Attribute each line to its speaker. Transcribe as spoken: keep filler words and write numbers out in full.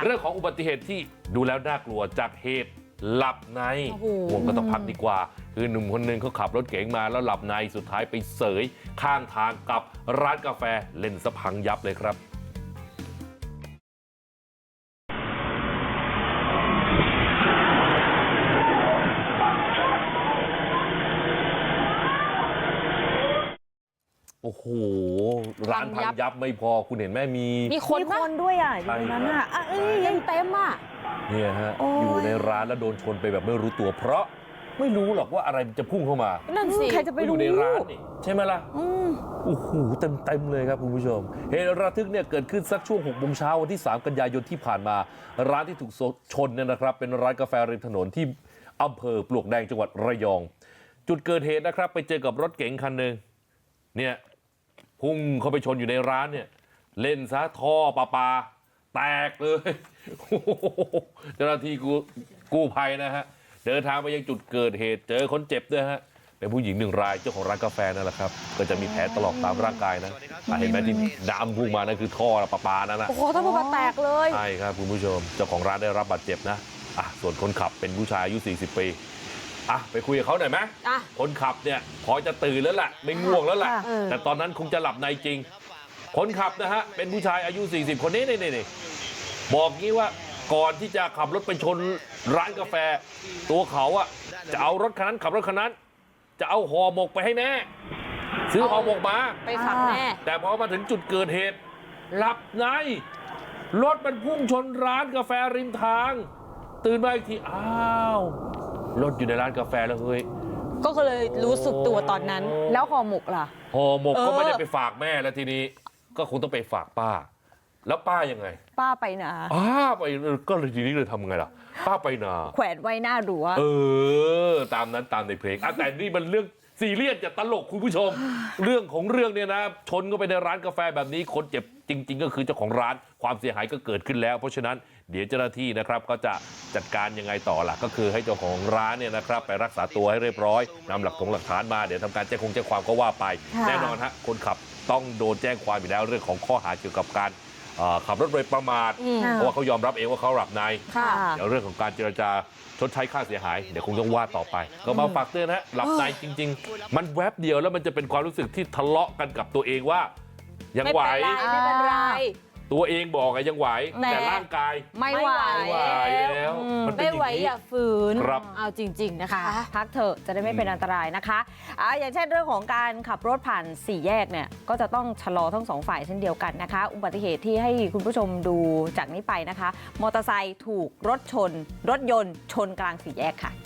Speaker 1: เรื่องของอุบัติเหตุที่ดูแล้วน่ากลัวจากเหตุหลับในห่วงก็ต้องพักดีกว่าคือหนุ่มคนนึงเขาขับรถเก๋งมาแล้วหลับในสุดท้ายไปเสยข้างทางกับร้านกาแฟเล่นสะพังยับเลยครับโอ้โหร้านพังยับไม่พอคุณเห็นไหมมี
Speaker 2: มีคนคนด้วยอ่ะอยู่นั้นอ่ะเอ้ยยังเต็มอ่ะ
Speaker 1: เนี่ยฮะอยู่ในร้านแล้วโดนชนไปแบบไม่รู้ตัวเพราะไม่รู้หรอกว่าอะไรจะพุ่งเข้ามา
Speaker 2: นั่นสิ
Speaker 1: ใครจะไปรู้อยู่ในร้านนี่ใช่ไหมล่ะโอ้โหเต็มเต็มเลยครับคุณผู้ชมเหตุระทึกเนี่ยเกิดขึ้นสักช่วงหกโมงเช้าวันที่สามกันยายนที่ผ่านมาร้านที่ถูกชนเนี่ยนะครับเป็นร้านกาแฟริมถนนที่อำเภอปลวกแดงจังหวัดระยองจุดเกิดเหตุนะครับไปเจอกับรถเก๋งคันหนึ่งเนี่ยพุ่งเข้าไปชนอยู่ในร้านเนี่ยเล่นซะท่อปลาปลาแตกเลยเจ้าหน้าที่กู้ภัยนะฮะเดินทางไปยังจุดเกิดเหตุเจอคนเจ็บด้วยฮะเป็นผู้หญิงหนึ่งรายเจ้าของร้านกาแฟนั่นแหละครับก็จะมีแผลตลอดตามร่างกายนะเห็นไหมที่น้ำพุ่งมานั่นคือท่อปลาปลานั่นนะ
Speaker 2: โอ้โหท่อปลาปลาแตกเลย
Speaker 1: ใช่ครับคุณผู้ชมเจ้าของร้านได้รับบาดเจ็บนะอ่ะส่วนคนขับเป็นผู้ชายอายุสี่สิบปีอ่ะไปคุยกับเขาหน่อยไหมคนขับเนี่ยพอจะตื่นแล้วแหละไม่ง่วงแล้วแหละแต่ตอนนั้นคงจะหลับในจริงคนขับนะฮะเป็นผู้ชายอายุสี่สิบคนนี้นี่นี่บอกงี้ว่าก่อนที่จะขับรถไปชนร้านกาแฟตัวเขาอะจะเอารถคันนั้นขับรถคันนั้นจะเอาห่อหมกไปให้แม่ซื้อห่อหมกมา
Speaker 2: ไปฝากแม่
Speaker 1: แต่พอมาถึงจุดเกิดเหตุหลับในรถมันพุ่งชนร้านกาแฟริมทางตื่นมาอีกทีอ้าวรถอยู่ในร้านกาแฟแล้วเฮ้ย
Speaker 2: ก็เลยรู้สึกตัวตอนนั้นแล้วห่อหมกล่ะ
Speaker 1: ห่อหมกก็ไม่ได้ไปฝากแม่แล้วทีนี้ก็คงต้องไปฝากป้าแล้วป้ายังไง
Speaker 2: ป้าไปนา
Speaker 1: ป้าไปก็เลยทีนี้เลยทำไงล่ะป้าไปนา
Speaker 2: แขวนไว้หน้ารั้ว
Speaker 1: เออตามนั้นตามในเพลงอ่ะแต่นี่มันเรื่องซีเรียสจะตลกคุณผู้ชมเรื่องของเรื่องเนี่ยนะชนก็ไปในร้านกาแฟแบบนี้คนเจ็บจริงๆก็คือเจ้าของร้านความเสียหายก็เกิดขึ้นแล้วเพราะฉะนั้นเดี๋ยวเจ้าหน้าที่นะครับก็จะจัดการยังไงต่อล่ะก็คือให้เจ้าของร้านเนี่ยนะครับไปรักษาตัวให้เรียบร้อยนำหลักฐานหลักฐานมาเดี๋ยวทำการแจ้งคงแจ้งความก็ว่าไปแน่นอนฮะคนขับต้องโดนแจ้งความอยู่แล้วเรื่องของข้อหาเกี่ยวกับการขับรถโดยประมาทเพราะว่าเขายอมรับเองว่าเขาหลับในเดี๋ยวเรื่องของการเจรจาชดใช้ค่าเสียหายเดี๋ยวคงต้องว่าต่อไปก็มาฝากเตือนนะหลับในจริงๆมันแวบเดียวแล้วมันจะเป็นความรู้สึกที่ทะเลาะกันกับตัวเองว่ายังไหว
Speaker 2: ไม่เป็นไร
Speaker 1: ตัวเองบอกไงยังไหวแต่ร่างกาย
Speaker 2: ไม่ไหว
Speaker 1: แล้ว
Speaker 2: ไม่ไหวอย่าฝืนเอาจริงๆนะคะพักเถอะจะได้ไม่เป็นอันตรายนะคะอ่าอย่างเช่นเรื่องของการขับรถผ่านสี่แยกเนี่ยก็จะต้องชะลอทั้งสองฝ่ายเช่นเดียวกันนะคะอุบัติเหตุที่ให้คุณผู้ชมดูจากนี้ไปนะคะมอเตอร์ไซค์ถูกรถชนรถยนต์ชนกลางสี่แยกค่ะ